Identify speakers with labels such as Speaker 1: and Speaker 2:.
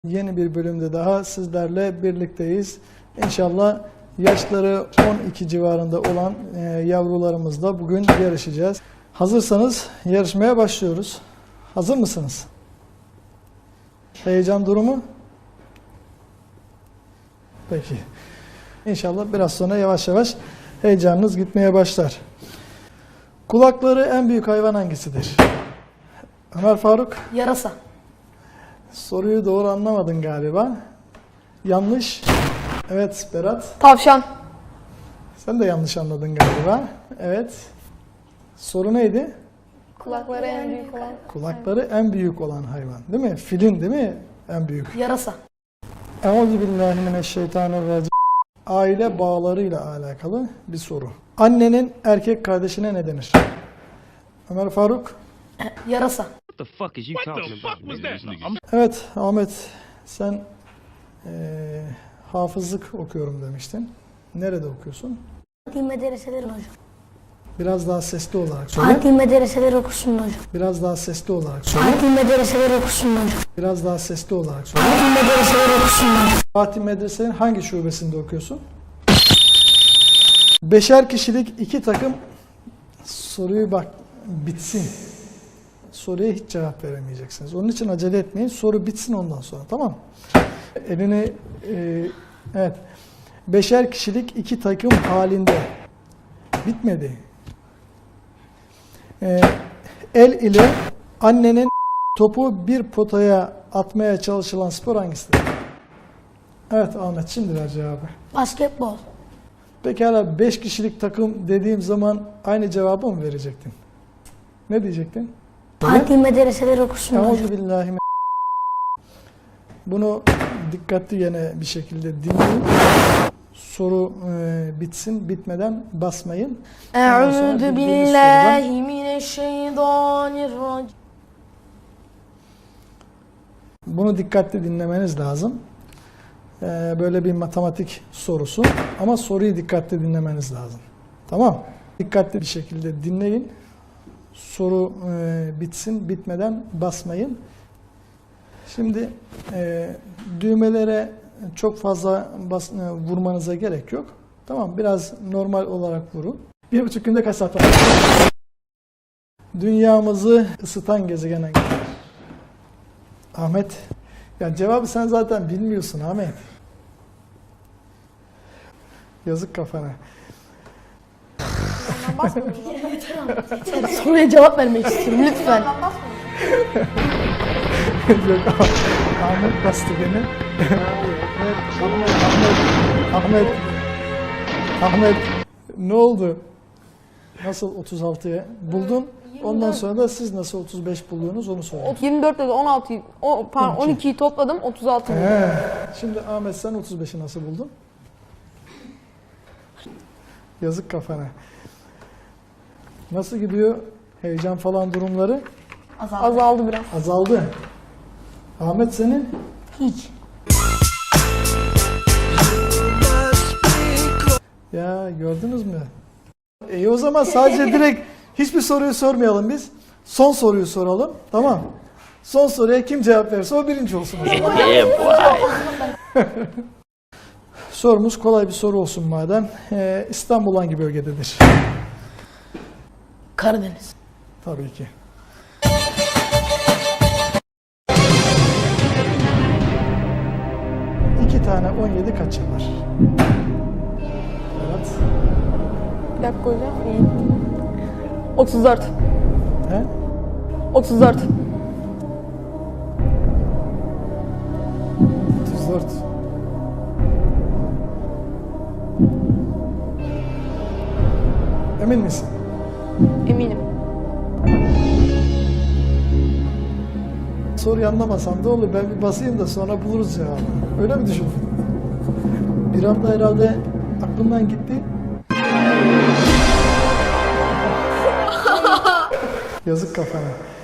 Speaker 1: Yeni bir bölümde daha sizlerle birlikteyiz. İnşallah yaşları 12 civarında olan yavrularımızla bugün yarışacağız. Hazırsanız yarışmaya başlıyoruz. Hazır mısınız? Heyecan durumu? Peki. İnşallah biraz sonra yavaş yavaş heyecanınız gitmeye başlar. Kulakları en büyük hayvan hangisidir? Ömer Faruk?
Speaker 2: Yarasa.
Speaker 1: Soruyu doğru anlamadın galiba. Yanlış. Evet Berat.
Speaker 2: Tavşan.
Speaker 1: Sen de yanlış anladın galiba. Evet. Soru neydi?
Speaker 2: Kulakları en büyük olan.
Speaker 1: Kulakları en büyük olan hayvan. Değil mi? Filin değil mi? En büyük.
Speaker 2: Yarasa.
Speaker 1: Euzubillahimineşşeytanirracim. Aile bağlarıyla alakalı bir soru. Annenin erkek kardeşine ne denir? Ömer Faruk.
Speaker 2: Yarasa.
Speaker 3: What the fuck is you talking about? Nigga?
Speaker 1: Evet Ahmet, sen hafızlık okuyorum demiştin. Nerede okuyorsun?
Speaker 4: Adli medreseler hocam.
Speaker 1: Biraz daha sesli olarak söyle.
Speaker 4: Adli medreseler okusun hocam.
Speaker 1: Biraz daha sesli olarak söyle.
Speaker 4: Adli medreseler okusun hocam.
Speaker 1: Biraz daha sesli olarak söyle.
Speaker 4: Adli medreseler okusun hocam.
Speaker 1: Fatih Medrese'nin hangi şubesinde okuyorsun? Beşer kişilik iki takım. Soruyu bak bitsin. Soruya hiç cevap veremeyeceksiniz. Onun için acele etmeyin. Soru bitsin ondan sonra, tamam mı? Elini evet. Beşer kişilik iki takım halinde. Bitmedi. El ile annenin topu bir potaya atmaya çalışılan spor hangisidir? Evet Ahmet, şimdi ver cevabı.
Speaker 4: Basketbol.
Speaker 1: Pekala 5 kişilik takım dediğim zaman aynı cevabı mı verecektin? Ne diyecektin?
Speaker 4: Adli medreseler okusun hocam.
Speaker 1: Euzubillahimineşşeytanirracim. Bunu dikkatli gene bir şekilde dinleyin. Soru bitsin, bitmeden basmayın.
Speaker 2: Eûzü billahi mineşşeytanirracim.
Speaker 1: Bunu dikkatli dinlemeniz lazım. Böyle bir matematik sorusu ama soruyu dikkatli dinlemeniz lazım. Tamam? Dikkatli bir şekilde dinleyin. Soru bitsin, bitmeden basmayın. Şimdi düğmelere çok fazla vurmanıza gerek yok. Tamam, biraz normal olarak vurun. 1,5 günde kaç saat var? Dünyamızı ısıtan gezegen hangisi? Ahmet. Ya cevabı sen zaten bilmiyorsun Ahmet. Yazık kafana.
Speaker 2: Soruya cevap vermek istiyorum lütfen.
Speaker 1: Yok, Ahmet bastı beni. Ahmet. Ne oldu? Nasıl 36'ya buldun? Ondan sonra da siz nasıl 35 buluyorsunuz onu söyleyin.
Speaker 2: 24 dedi 16, pardon 12'yi topladım 36 buldum.
Speaker 1: Şimdi Ahmet sen 35'i nasıl buldun? Yazık kafana. Nasıl gidiyor? Heyecan falan durumları?
Speaker 2: Azaldı biraz.
Speaker 1: Azaldı. Ahmet senin?
Speaker 4: Hiç.
Speaker 1: Ya gördünüz mü? O zaman sadece direkt hiçbir soruyu sormayalım biz. Son soruyu soralım. Tamam. Son soruya kim cevap verirse o birinci olsun. O zaman. Sorumuz kolay bir soru olsun madem. İstanbul hangi bölgededir?
Speaker 2: Karadeniz.
Speaker 1: Tabii ki. İki tane 17 kaç yapar? Evet.
Speaker 2: Bir dakika hocam. 34.
Speaker 1: He?
Speaker 2: 34.
Speaker 1: 34. Emin misin?
Speaker 2: Eminim.
Speaker 1: Soruyu anlamasam da olur. Ben bir basayım da sonra buluruz cevabı. Öyle mi düşündün? Bir anda herhalde aklımdan gitti. Yazık kafana.